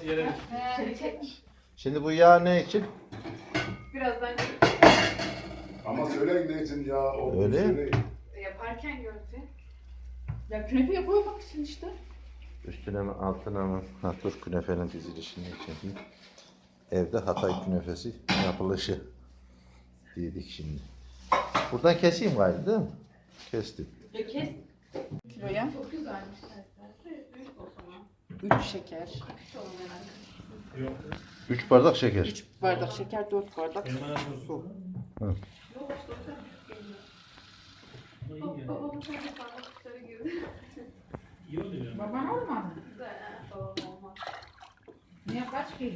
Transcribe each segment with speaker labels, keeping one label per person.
Speaker 1: yere
Speaker 2: Çek.
Speaker 3: Şimdi bu yağ ne için?
Speaker 2: Birazdan
Speaker 4: Ama söyleyin ne için ya?
Speaker 3: Öyle.
Speaker 4: Söyleyin.
Speaker 2: yaparken görecek. Ya künefe yapıyor bak şimdi işte.
Speaker 3: Üstüne mi altına mı? Ha dur künefenin dizilişini çekeyim. Evde Hatay künefesi yapılışı dedik şimdi. Buradan keseyim galiba değil mi? Kestim.
Speaker 2: Ya kes. Kiloya. Çok güzelmiş. Büyük o zaman. 3 şeker. Küçük olan herhalde.
Speaker 1: Yok.
Speaker 3: 3 bardak şeker.
Speaker 2: 3 bardak şeker, 4 bardak
Speaker 1: Elma
Speaker 2: su.
Speaker 1: su.
Speaker 3: Hı.
Speaker 2: Yok işte o da geliyor.
Speaker 1: Ama iyi yani.
Speaker 2: Babamın kendi parmaklıkları girdi.
Speaker 1: İyi oluyor yani.
Speaker 5: Baban olmadı.
Speaker 2: Güzel ha. Babam olmaz.
Speaker 5: Niye kaç kilo?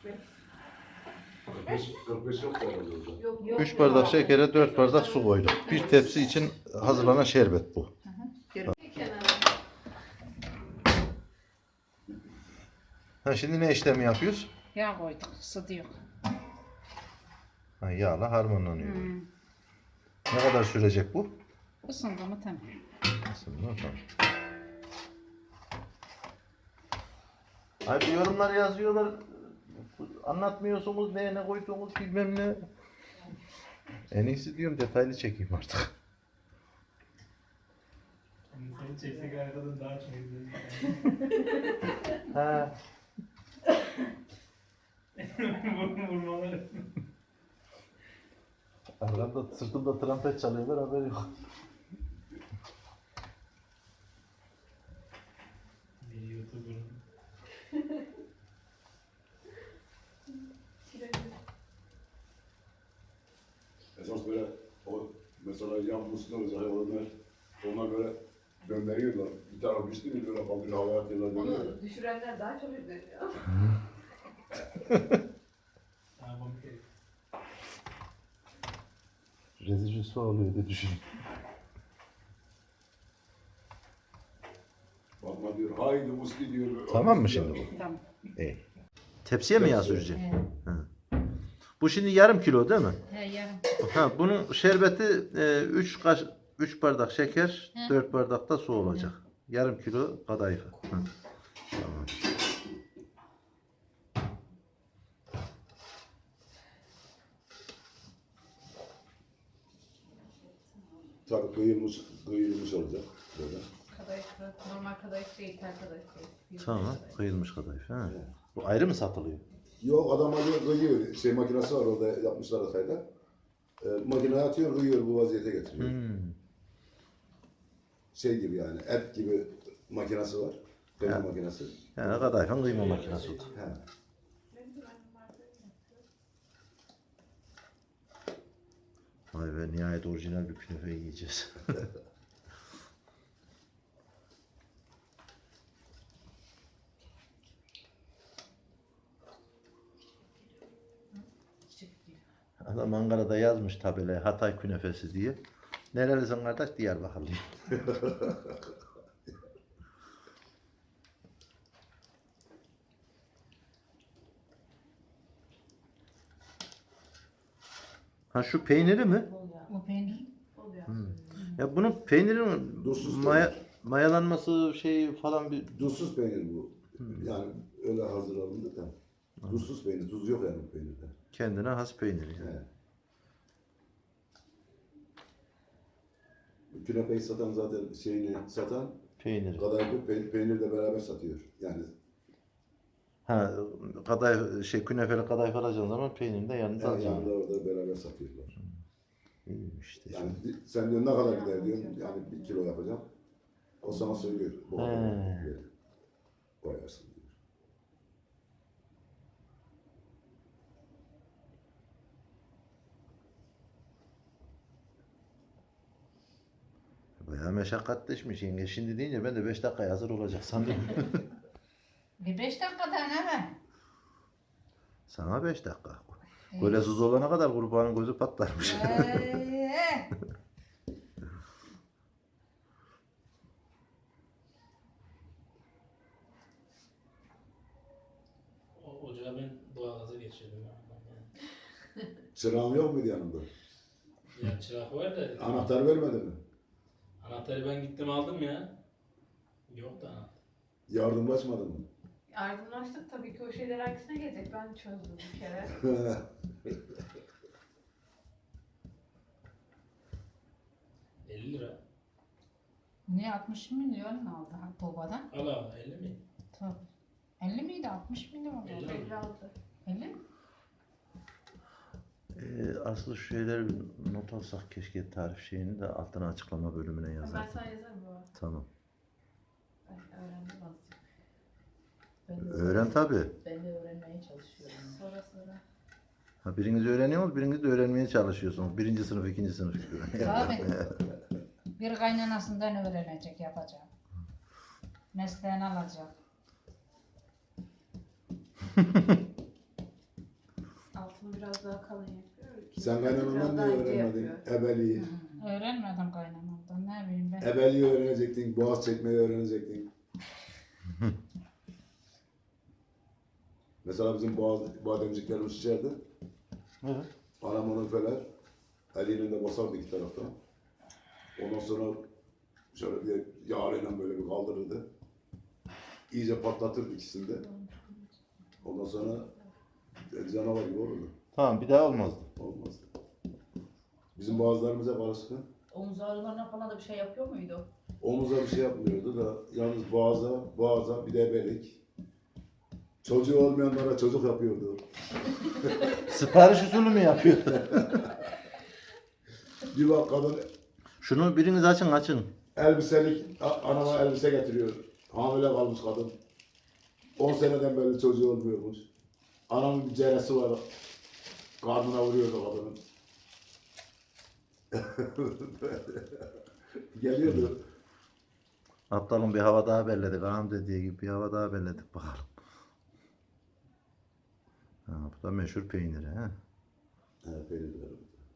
Speaker 4: 45 yok herhalde orada.
Speaker 2: Yok
Speaker 3: 3 bardak şekere 4 bardak su koyduk. Bir tepsi için hazırlanan şerbet bu.
Speaker 2: Kenara.
Speaker 3: Ha şimdi ne işlemi yapıyoruz?
Speaker 5: Yağ koyduk, ısıtıyor.
Speaker 3: Ha, yağla harmanlanıyor. Ne kadar sürecek bu?
Speaker 5: Isındı mı tamam.
Speaker 3: Aslında tamam. Hayır yorumlar yazıyorlar. Anlatmıyorsunuz ne koyduğunuz bilmem ne. En iyisi diyorum detaylı çekeyim artık.
Speaker 1: Seni çeksek arkadan daha çok izlenir.
Speaker 3: Ha.
Speaker 1: Vurmalar.
Speaker 3: Arkamda sırtımda trompet çalıyorlar haberi yok.
Speaker 1: Bir YouTuber'ın.
Speaker 4: Esas böyle o mesela yan musluğu olacak olanlar ona göre gönderiyorlar. Bir taraf düştü mü böyle kaldırıyor havaya atıyorlar dönüyor.
Speaker 2: Onu düşürenler daha çok üzülüyor.
Speaker 1: Tamam bir kere.
Speaker 3: Rezil rüsva oluyor diye düşün.
Speaker 4: Bakma diyor haydi muski diyor.
Speaker 3: Tamam mı şimdi bu?
Speaker 5: Tamam.
Speaker 3: İyi. Tepsiye mi yağ
Speaker 4: Tepsiye.
Speaker 3: süreceğim? Bu şimdi yarım kilo değil mi?
Speaker 5: He yarım.
Speaker 3: Ha, bunun şerbeti 3 bardak şeker,
Speaker 5: Hı.
Speaker 3: 4 bardak da su olacak. Yarım kilo kadayıf. Hı. Tamam.
Speaker 4: Tabii kıyılmış olacak. Böyle.
Speaker 2: Kadayıflı, normal kadayıf değil, tel kadayıf değil.
Speaker 3: Tamam. Kıyılmış kadayıf. Ha. Bu ayrı mı satılıyor?
Speaker 4: Yok adam alıyor kıyıyor. Şey makinesi var orada yapmışlar Hatay'da. Makineye atıyor kıyıyor bu vaziyete getiriyor. Şey gibi yani et gibi makinesi var. Kıyma
Speaker 3: Ha.
Speaker 4: makinesi.
Speaker 3: Yani kadayıfın kıyma makinesi oldu.
Speaker 4: He.
Speaker 3: Vay be nihayet orijinal bir künefe yiyeceğiz. Adam Ankara'da yazmış tabelaya Hatay künefesi diye. Nerelisin kardeş? Diyarbakırlıyım. Ha şu peyniri mi?
Speaker 5: Bu peynir.
Speaker 3: Ya bunun peynirin
Speaker 4: Duzsuz
Speaker 3: mayalanması şey falan bir
Speaker 4: Tuzsuz peynir bu. Yani öyle hazır alındı da. Tuzsuz peynir. Tuz yok yani bu peynirde.
Speaker 3: kendine has peyniri. Yani.
Speaker 4: He. Künefeyi satan zaten şeyini satan
Speaker 3: Peyniri.
Speaker 4: kadayıfı peynirle beraber satıyor. Yani
Speaker 3: Ha kadayıf şey künefeli kadayıf alacağın zaman peynirini de yanında alacaksın.
Speaker 4: yanında orada beraber satıyorlar.
Speaker 3: İyiymiş işte.
Speaker 4: Yani sen diyor ne kadar gider diyorsun. Yani 1 kilo yapacağım. O sana söylüyor. Bu kadar
Speaker 3: He.
Speaker 4: diyor. Koyarsın diyor.
Speaker 3: Bayağı meşakkatleşmiş yenge. Şimdi deyince ben de 5 dakikaya hazır olacak sandım.
Speaker 5: Bir 5 dakikada hemen.
Speaker 3: Sana 5 dakika. Böyle suz olana kadar kurbanın gözü patlarmış.
Speaker 1: Ocağa ben doğalgaza geçirdim.
Speaker 4: Çırağın yok muydu yanında?
Speaker 1: Ya çırak var da.
Speaker 4: Anahtar vermedi mi?
Speaker 1: Anahtarı ben gittim aldım ya. Yok da anahtar.
Speaker 4: Yardımlaşmadı mı?
Speaker 6: Aydınlaştık tabii ki o şeyler hangisine gelecek ben çözdüm bir kere.
Speaker 1: 50 lira.
Speaker 5: Niye 60 milyon aldı Tuğba'dan?
Speaker 1: Ala 50 mi?
Speaker 5: Tabii. 50 miydi? 60 milyon oldu.
Speaker 1: 50 mi?
Speaker 6: 56.
Speaker 5: 50 mi?
Speaker 3: Aslı şu şeyleri bir not alsak keşke, tarif şeyini de altına açıklama bölümüne
Speaker 6: Ben
Speaker 3: yazalım.
Speaker 6: sana yazarım baba.
Speaker 3: Tamam.
Speaker 6: Ben öğrendim azıcık.
Speaker 3: Öğren tabi.
Speaker 7: Ben de öğrenmeye çalışıyorum.
Speaker 6: Sonra.
Speaker 3: Ha, biriniz öğreniyorsunuz, biriniz de öğrenmeye çalışıyorsunuz. Birinci sınıf, ikinci sınıf gibi.
Speaker 5: Tabii. Bir kaynanasından öğrenecek, yapacak. Mesleğini alacak.
Speaker 6: Altını biraz daha kalın yapıyor. İkinci
Speaker 4: Sen
Speaker 6: katı
Speaker 4: kaynanandan
Speaker 6: biraz
Speaker 4: ne
Speaker 6: daha ince
Speaker 4: öğrenmedin?
Speaker 6: yapıyor.
Speaker 4: Ebeliği.
Speaker 5: Öğrenmedim kaynanamdan. Ne bileyim ben.
Speaker 4: Ebeliği öğrenecektin, boğaz çekmeyi öğrenecektin. Mesela bizim bademciklerimiz içeride.
Speaker 3: Evet.
Speaker 4: Anam onu feler. Eliyle de basardı iki taraftan. Ondan sonra şöyle bir yağıyla böyle bir kaldırırdı. İyice patlatırdı ikisini de. Ondan sonra canavar gibi olurdu.
Speaker 3: Tamam, bir daha olmazdı.
Speaker 4: Olmaz. Bizim boğazlarımız hep alışkın.
Speaker 7: Omuz ağrılarına falan da bir şey yapıyor muydu?
Speaker 4: Omuza bir şey yapmıyordu da yalnız boğaza bir de ebelik. Çocuğu olmayanlara çocuk yapıyordu.
Speaker 3: Sipariş usulü mü yapıyor?
Speaker 4: Bir bak kadın
Speaker 3: Şunu biriniz açın.
Speaker 4: elbiselik, anama elbise getiriyor. Hamile kalmış kadın. 10 seneden beri çocuğu olmuyormuş. Anamın bir ceresi var. Karnına vuruyordu kadının. Geliyordu.
Speaker 3: Aptalın bir hava daha belledik. Ağam dediği gibi bir hava daha belledik bakalım. Ha, bu da meşhur peyniri. He?
Speaker 4: Evet, peynir var.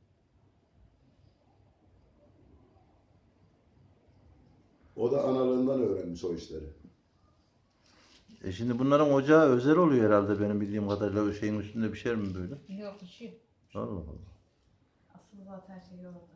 Speaker 4: O da analığından öğrenmiş o işleri.
Speaker 3: Şimdi bunların ocağı özel oluyor herhalde benim bildiğim kadarıyla. O şeyin üstünde bir şey mi böyle?
Speaker 5: Yok bir şey.
Speaker 3: Allah Allah.
Speaker 6: Asıl zaten şey orada.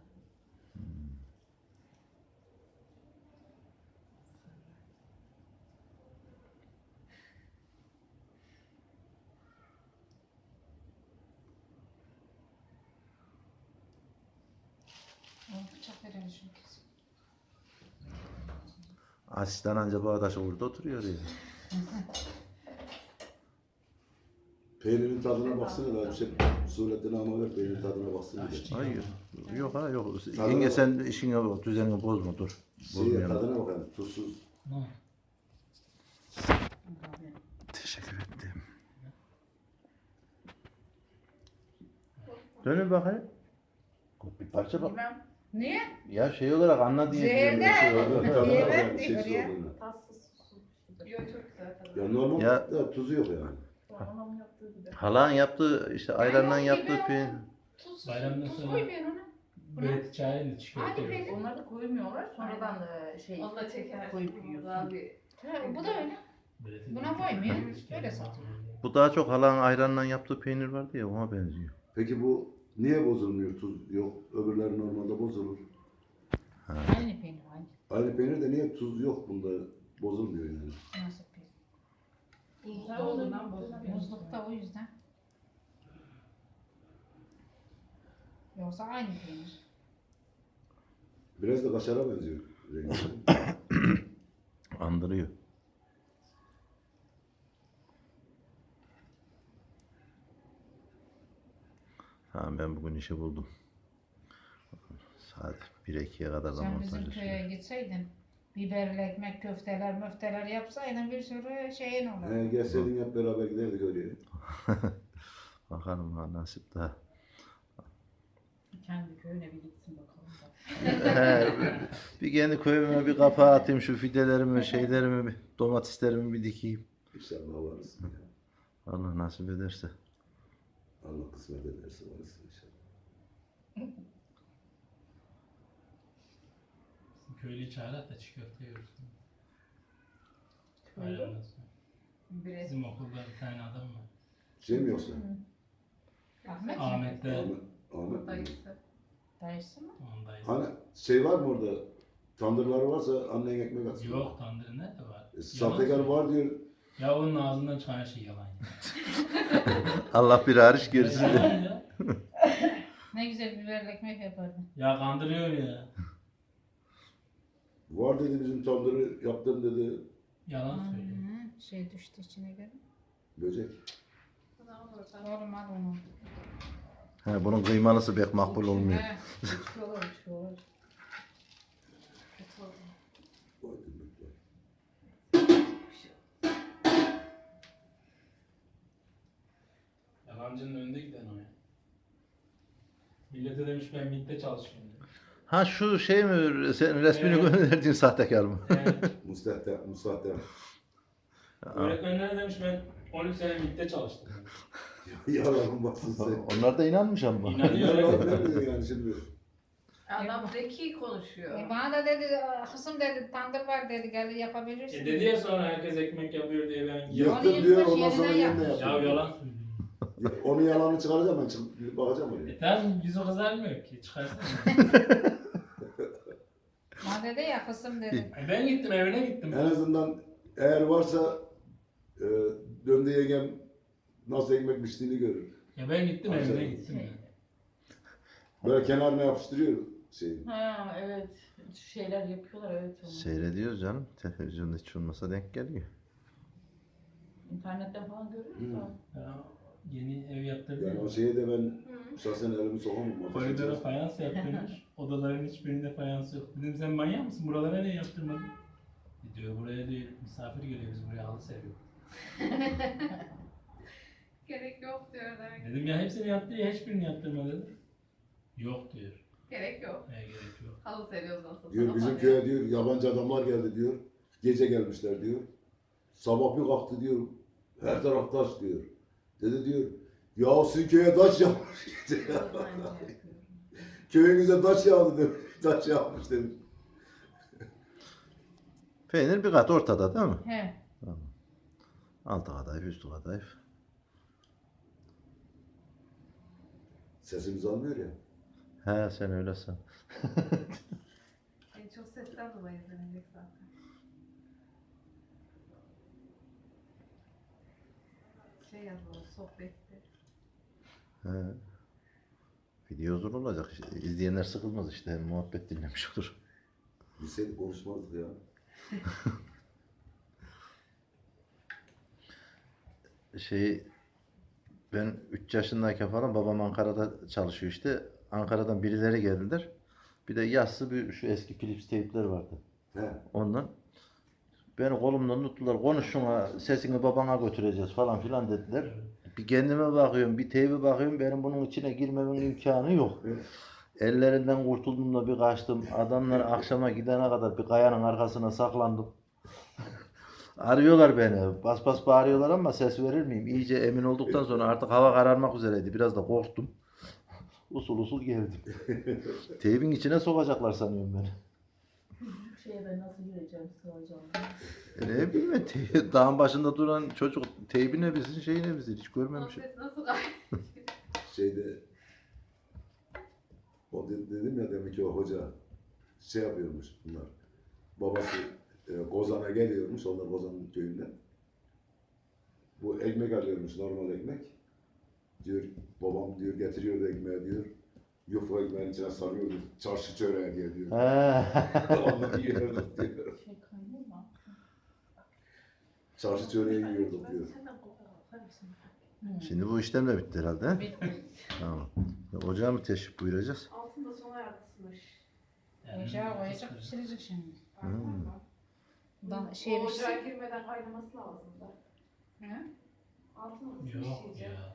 Speaker 5: Bıçak verelim şimdi kesin.
Speaker 3: Asistan anca bu arkadaş orada oturuyor ya.
Speaker 4: Peynirin tadına baksana da bir şey. Surettin ama ver peynirin tadına baksana. da.
Speaker 3: Hayır. Yok ha yok.
Speaker 4: Tadına
Speaker 3: Yenge
Speaker 4: bak.
Speaker 3: sen işini düzenini bozma dur.
Speaker 4: Şey,
Speaker 3: Bozmayalım.
Speaker 4: tadına bakalım. Tuzsuz.
Speaker 1: Ne?
Speaker 3: Teşekkür ettim. Dönün bakayım. Bir parça bak.
Speaker 5: Bilmem. Niye?
Speaker 3: Ya şey olarak anla diye.
Speaker 5: Zehirde.
Speaker 3: diyorum.
Speaker 4: Tadına
Speaker 5: Niye
Speaker 4: bakalım,
Speaker 5: ben
Speaker 4: şeysiz
Speaker 5: diyor ya?
Speaker 4: olduğunu.
Speaker 6: Tatsız susuz. Yok çok güzel tadı.
Speaker 4: Ya normal
Speaker 3: Ya-
Speaker 4: da tuzu yok yani.
Speaker 6: Anamın yaptığı gibi.
Speaker 3: Halan yaptığı işte ayrandan
Speaker 5: yok,
Speaker 3: yaptığı
Speaker 5: gibi
Speaker 3: peynir.
Speaker 5: Tuz,
Speaker 1: Bayramdan
Speaker 5: tuz
Speaker 1: sonra-
Speaker 5: koy ben ona.
Speaker 1: Böyle çayla çikolata
Speaker 5: Hadi
Speaker 1: yiyoruz.
Speaker 5: be.
Speaker 7: Onları da koymuyorlar. Sonradan da şey
Speaker 6: Onu da çeker.
Speaker 7: koyup
Speaker 6: Daha
Speaker 7: yiyorsun.
Speaker 6: bir
Speaker 5: Ha, bu da öyle.
Speaker 1: Böyle
Speaker 5: Buna koymuyor, böyle satıyor.
Speaker 3: Bu daha çok halan ayrandan yaptığı peynir vardı ya, ona benziyor.
Speaker 4: Peki bu niye bozulmuyor tuz yok? Öbürleri normalde bozulur.
Speaker 5: Aynı peynir aynı.
Speaker 4: Aynı peynir de niye tuz yok bunda bozulmuyor yani.
Speaker 5: Nasıl peynir?
Speaker 6: buzda olduğundan bozuluyor.
Speaker 5: Buzlukta o yüzden. Yoksa aynı peynir.
Speaker 4: Biraz da kaşara benziyor rengi.
Speaker 3: Andırıyor. Tamam, ben bugün işi buldum. Saat 1-2'ye kadar da
Speaker 5: Sen bizim
Speaker 3: montaj
Speaker 5: köye
Speaker 3: yapıyorum.
Speaker 5: gitseydin, biberli ekmek, köfteler, müfteler yapsaydın bir sürü şeyin olurdu.
Speaker 4: Gelseydin hep beraber giderdik oraya.
Speaker 3: Bakalım ha, nasip daha.
Speaker 7: Kendi köyüne bir gitsin bakalım.
Speaker 3: Bir kendi köyüme bir kapağı atayım, şu fidelerimi, şeylerimi, domateslerimi bir dikeyim.
Speaker 4: İnşallah varız.
Speaker 3: Allah nasip ederse.
Speaker 4: Allah kısmet ederse varız inşallah.
Speaker 1: Köylüyü çağırarak da çiğ köfte yiyoruz.
Speaker 7: Köylü?
Speaker 1: Bayramdan sonra.
Speaker 6: Bire.
Speaker 1: Bizim okulda bir tane adam var.
Speaker 4: Şey mi yoksa?
Speaker 5: Ahmet mi?
Speaker 1: Ahmet'te
Speaker 4: Ahmet mi?
Speaker 6: Dayısı.
Speaker 5: Dayısı mı?
Speaker 1: onun dayısı.
Speaker 4: Hani şey var mı orada? Tandırları varsa annen ekmek atsın.
Speaker 1: Yok, tandırı nerede var?
Speaker 4: Sahtekar var diyor.
Speaker 1: Ya onun ağzından çıkan her şey yalan.
Speaker 3: Allah bir hariç gerisi
Speaker 1: Yalan
Speaker 3: de.
Speaker 1: ya.
Speaker 5: Ne güzel biberli ekmek yapardı.
Speaker 1: Ya kandırıyor ya.
Speaker 4: Var dedi bizim tandırı yaptım dedi.
Speaker 1: Yalan söylüyor.
Speaker 5: Şey düştü içine göre.
Speaker 4: Böcek.
Speaker 5: Oğlum al onu.
Speaker 3: He, bunun kıymalısı pek makbul olmuyor.
Speaker 5: He.
Speaker 7: Üçlü olur, üçlü olur.
Speaker 4: Vay demek ya.
Speaker 1: Yalancının önünde giden o ya. Millete demiş ben MİT'te çalışıyorum. diyor.
Speaker 3: Ha şu şey mi, sen resmini
Speaker 1: Evet.
Speaker 3: gönderdiğin sahtekar mı?
Speaker 1: Evet.
Speaker 4: Müstahtem.
Speaker 1: Öğretmenlere demiş ben 13 sene MİT'te çalıştım.
Speaker 4: Yalanın baksın sen.
Speaker 3: Onlar da inanmış ama.
Speaker 1: İnanıyor.
Speaker 4: Yalan
Speaker 1: öyle.
Speaker 4: demiyor yani şimdi.
Speaker 6: Adam zeki konuşuyor.
Speaker 5: Bana da dedi, kızım dedi, tandır var dedi, gel yapabilirsin.
Speaker 1: Dedi ya sonra herkes ekmek yapıyor diye ben
Speaker 4: Yırttım
Speaker 5: Onu
Speaker 4: diyor
Speaker 5: yırtmış,
Speaker 4: ondan sonra
Speaker 5: yeniden
Speaker 4: yeniden
Speaker 5: yapmış.
Speaker 1: Ya
Speaker 4: yapıyor.
Speaker 1: yalan söylüyor.
Speaker 4: Onun yalanını çıkaracağım ben çıkıp bakacağım oraya.
Speaker 1: Tamam yüzü kızarmıyor ki çıkarsana.
Speaker 5: Bana dedi ya kızım dedi.
Speaker 1: Ben gittim evine gittim.
Speaker 4: En azından eğer varsa döndü yengem nasıl ekmek piştiğini görür.
Speaker 1: Ya ben gittim
Speaker 4: Güzel.
Speaker 1: evine gittim ya.
Speaker 4: Böyle kenarına yapıştırıyor şeyi.
Speaker 7: Ha evet. Şeyler yapıyorlar evet onu.
Speaker 3: Seyrediyoruz canım. Televizyonda hiç olmasa denk geliyor.
Speaker 7: İnternetten falan görüyoruz
Speaker 4: Hı.
Speaker 7: da.
Speaker 1: Ya, yeni ev yaptırdım.
Speaker 4: Yani o şeye de ben şahsen elimi sokamam.
Speaker 1: Koridora fayans yaptırmış. Odaların hiçbirinde fayans yok. Dedim sen manyak mısın? Buralara ne yaptırmadın? Diyor buraya diyor misafir geliyor biz buraya halı seriyor.
Speaker 6: Gerek yok diyorlar.
Speaker 1: Dedim ya hepsini yaptı ya hiçbirini yaptırma dedim. Yok diyor.
Speaker 6: Gerek yok.
Speaker 1: Ne gerek yok.
Speaker 6: Halı seriyoruz nasıl?
Speaker 4: Diyor bizim köye diyor yabancı adamlar geldi diyor. Gece gelmişler diyor. Sabah bir kalktı diyor. Her taraf taş diyor. Dedi diyor. Ya sizin köye taş yağmış. Köyünüze taş yağdı demiş. Taş yağmış demiş.
Speaker 3: Peynir bir kat ortada değil mi?
Speaker 5: He.
Speaker 3: Altı kadayıf, üstü kadayıf.
Speaker 4: Sesimizi almıyor ya.
Speaker 3: He sen öyle san.
Speaker 6: En çok sesten dolayı izlenecek zaten. Şey yazalım sohbette.
Speaker 3: He. Video uzun olacak. İşte, İzleyenler sıkılmaz işte. Hem muhabbet dinlemiş olur.
Speaker 4: Bilseydik konuşmazdık ya.
Speaker 3: Ben 3 yaşındayken falan babam Ankara'da çalışıyor işte. Ankara'dan birileri geldiler. Bir de yassı bir şu eski Philips teypler vardı.
Speaker 4: He.
Speaker 3: Ondan beni kolumdan tuttular. Konuş şuna sesini babana götüreceğiz falan filan dediler. Bir kendime bakıyorum, bir teybe bakıyorum. Benim bunun içine girmemin imkanı yok. Ellerinden kurtuldum da bir kaçtım. Adamlar akşama gidene kadar bir kayanın arkasına saklandım. Arıyorlar beni. Bas bas bağırıyorlar ama ses verir miyim? İyice emin olduktan sonra artık hava kararmak üzereydi. Biraz da korktum. Usul usul geldim. Teybin içine sokacaklar sanıyorum beni.
Speaker 7: Şeye ben nasıl gireceğim, sığacağım.
Speaker 3: Ne bileyim ben, dağın başında duran çocuk teybi ne bilsin şeyi ne bilsin hiç
Speaker 6: Onun
Speaker 3: görmemişim.
Speaker 6: sesi nasıl gayet?
Speaker 4: Şeyde o dedim ya demek ki o hoca şey yapıyormuş bunlar. Babası Kozan'a geliyormuş. Onlar Kozan'ın köyünden. Bu ekmek alıyormuş normal ekmek. Diyor babam diyor getiriyordu ekmeği diyor. Yufka ekmeğin içine sarıyordu. Çarşı çöreği diye diyor. Onları yiyorduk diyor.
Speaker 7: Şey kaynıyor mu?
Speaker 4: Çarşı çöreği yiyorduk diyor.
Speaker 6: Senden korkar mısın?
Speaker 3: Şimdi bu işlem de bitti herhalde. He?
Speaker 7: Bitti.
Speaker 3: Tamam. Ocağa mı teşrif buyuracağız?
Speaker 6: Altında sona yardısmış.
Speaker 5: Ocağa koyacak pişirecek şimdi.
Speaker 3: Hmm.
Speaker 5: Şey
Speaker 6: o
Speaker 5: bir şey.
Speaker 6: ocağa girmeden kaynaması lazım da.
Speaker 5: He?
Speaker 6: Altına nasıl
Speaker 1: Yok
Speaker 6: pişirecek?
Speaker 1: ya.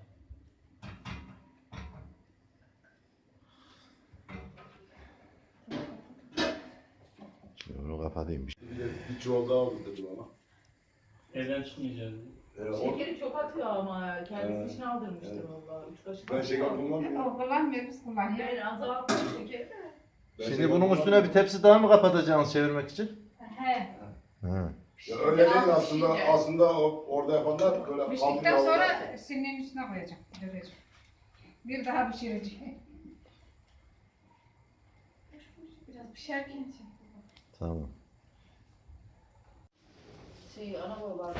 Speaker 3: Şimdi bunu kapatayım.
Speaker 4: Bir çuval daha aldı dedi bana.
Speaker 1: Evden çıkmayacağız.
Speaker 7: Şekeri çok atıyor ama kendisi
Speaker 4: Evet.
Speaker 7: için aldırmıştır
Speaker 4: Evet.
Speaker 7: valla. 3 kaşık
Speaker 4: Ben şeker
Speaker 7: atıyor.
Speaker 4: kullanmıyorum.
Speaker 5: O kullanmıyor biz kullanıyoruz.
Speaker 7: Ben azalttım şekeri de.
Speaker 4: Ben
Speaker 3: Şimdi
Speaker 4: şeker
Speaker 3: bunun üstüne
Speaker 4: kullanmıyorum.
Speaker 3: bir tepsi daha mı kapatacaksınız çevirmek için?
Speaker 5: He.
Speaker 3: Hı.
Speaker 4: Ya öyle değil
Speaker 6: Biraz
Speaker 4: aslında.
Speaker 6: pişince.
Speaker 4: Aslında orada yapanlar böyle
Speaker 5: Piştikten
Speaker 4: hamur
Speaker 5: sonra
Speaker 4: yağlar-
Speaker 5: sinirlerin üstüne koyacağım. Döveceğim. Bir daha pişireceğim.
Speaker 6: Biraz pişerken çek.
Speaker 3: Tamam.
Speaker 7: Ana baba var.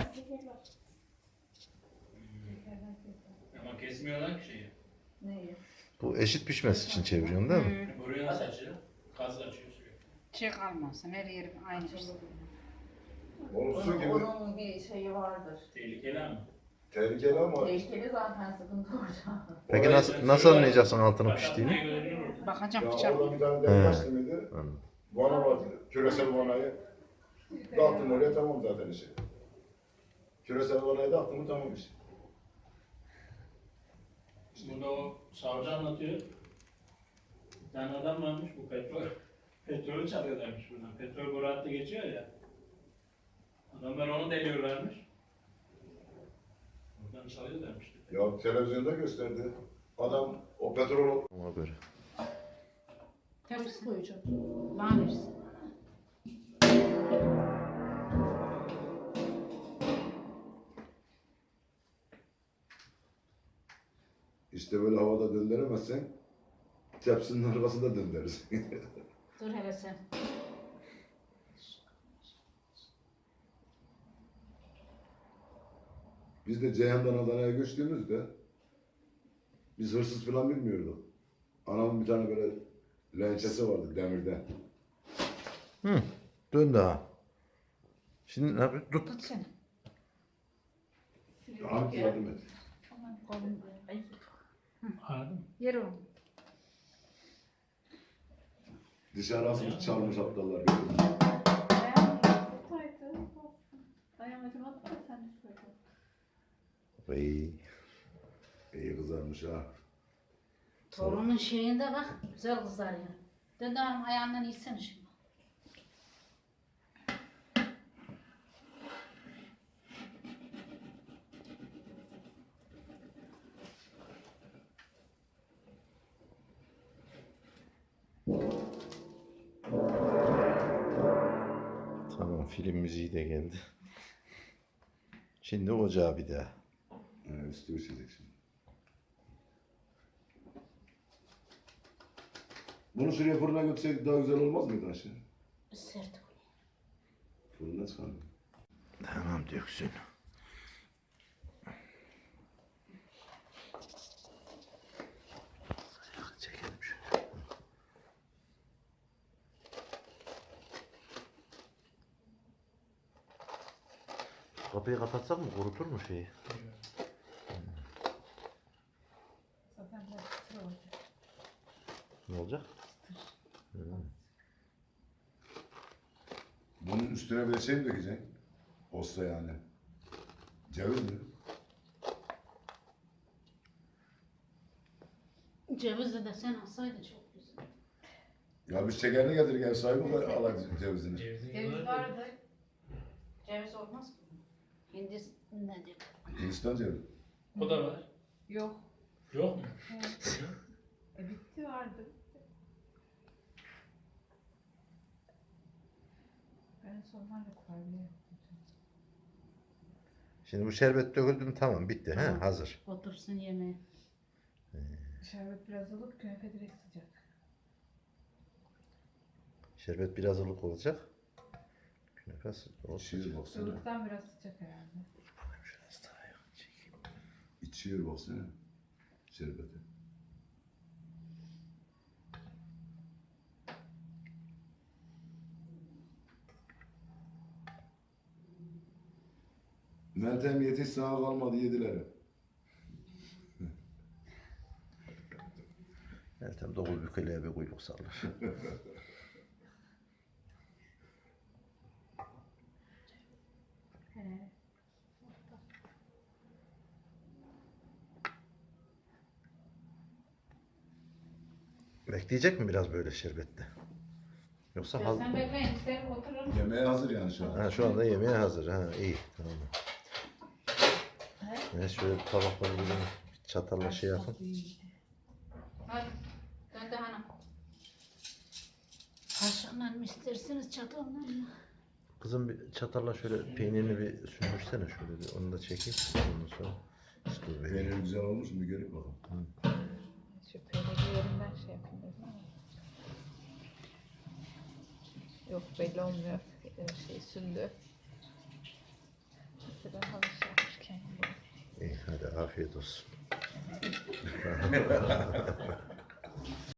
Speaker 1: Ama kesmiyorlar ki şeyi.
Speaker 7: Neyi?
Speaker 3: Bu eşit pişmesi için çeviriyorsun değil mi?
Speaker 1: Buraya nasıl açıyor? Gaz açıyor sürekli.
Speaker 5: Şey kalmasın, her yerim aynı şey.
Speaker 4: Onun su gibi
Speaker 7: Onun bir şeyi vardır.
Speaker 1: Tehlikeli ama.
Speaker 4: tehlikeli ama
Speaker 7: Tehlikeli zaten sıkıntı orada.
Speaker 3: Peki nasıl anlayacaksın altının piştiğini?
Speaker 1: Piştiğini?
Speaker 5: Bakacağım
Speaker 4: ya
Speaker 5: bıçak.
Speaker 4: orada bir tane
Speaker 3: He.
Speaker 4: dev taş demedi.
Speaker 3: Anladım.
Speaker 4: Vana var, küresel vanayı. Dağıttım oraya tamam zaten işi. Küresel vanayı dağıttım mı tamam iş.
Speaker 1: Burada o savcı anlatıyor. Bir tane adam varmış bu petrolü çalıyorlarmış buradan. Petrol boru hattı geçiyor ya. Adamlar onu deliyorlarmış. Buradan çalıyorlarmış.
Speaker 4: Ya televizyonda gösterdi. Adam o petrol
Speaker 3: Ona göre.
Speaker 5: Tepsi
Speaker 7: koyacağım.
Speaker 5: bana versin.
Speaker 4: işte böyle havada döndüremezsen tepsinin arkasında döndürürüz.
Speaker 5: Dur hele sen.
Speaker 4: Biz de Ceyhan'dan Adana'ya göçtüğümüzde biz hırsız falan bilmiyorduk. Anamın bir tane böyle lençesi vardı demirden.
Speaker 3: Hı. Dön daha. Şimdi ne yapıyorsun? Tut.
Speaker 5: Tut seni.
Speaker 4: Hangi yardım et.
Speaker 5: Kolum. Ay.
Speaker 1: Anladın mı?
Speaker 5: Yer oğlum.
Speaker 4: Dışarı asmış çalmış aptallar.
Speaker 6: Ayağım acımadı da sen de söyle.
Speaker 3: Vay.
Speaker 4: İyi kızarmış ha.
Speaker 5: Torunun şeyinde bak. Güzel kızlar ya. Dön de hanım ayağından iyisene şimdi.
Speaker 3: Tamam, film müziği de geldi. Şimdi ocağa bir daha.
Speaker 4: Üstü üşüyecek şimdi. Bunu şuraya fırına götürseydik daha güzel olmaz mıydı aşağı?
Speaker 5: Sert ol.
Speaker 4: Fırına çıkalım.
Speaker 3: Tamam, döksün. Çekelim şöyle. Kapıyı kapatsak mı? Kurutur mu şeyi?
Speaker 6: Zaten biraz sıra olacak.
Speaker 3: Ne olacak? Hı.
Speaker 4: Bunun üstüne bir de şey mi dökeceksin? Posta yani. Ceviz mi?
Speaker 5: Cevizi de sen alsaydın çok güzel.
Speaker 4: Ya biz şekerini getirdik ev sahibi de alacak cevizini.
Speaker 5: Ceviz vardı. Ceviz olmaz mı? Hindistan nedir?
Speaker 4: Hindistan cevizi.
Speaker 1: O da var.
Speaker 6: Yok.
Speaker 1: Yok mu?
Speaker 6: Bitti vardı. Ben sonlarla kurabiye yaptım.
Speaker 3: Şimdi bu şerbet döküldü mü tamam bitti. He,
Speaker 5: Tamam.
Speaker 3: hazır.
Speaker 5: Otursun yemeğe.
Speaker 6: Şerbet biraz ılık, künefe direkt sıcak.
Speaker 3: Şerbet biraz ılık olacak. Künefe olsun.
Speaker 4: İçiyor baksana.
Speaker 6: Ilıktan biraz sıcak herhalde.
Speaker 3: Şurası daha yok. Çekeyim.
Speaker 4: İçiyor baksana. Şerbeti. Meltem yetiş sana kalmadı yediler.
Speaker 3: Meltem dokuz bükeliğe bir kuyruk sallar. Bekleyecek mi biraz böyle şerbette? Yoksa
Speaker 5: Ya sen bekleyin isterim oturun.
Speaker 4: Yemeğe hazır yani şu an.
Speaker 3: Ha, şu anda yemeğe hazır. Ha, iyi. Tamam. Evet, şöyle tabakları bir çatalla şey yapın.
Speaker 5: Hadi. Dön de hanım. Kaşıkla mı istersiniz çatalla mı?
Speaker 3: Kızım bir çatalla şöyle peynirini bir sündürsene şöyle bir onu da çekeyim. Ondan sonra üstü bir.
Speaker 4: Peynir güzel olmuş mu görüp bakalım.
Speaker 6: Şu peyniri yerinden şey yapayım dedim ama. Yok belli olmuyor. Şey sündü. Önceden alışıyormuş kendine.
Speaker 3: İyi hadi afiyet olsun.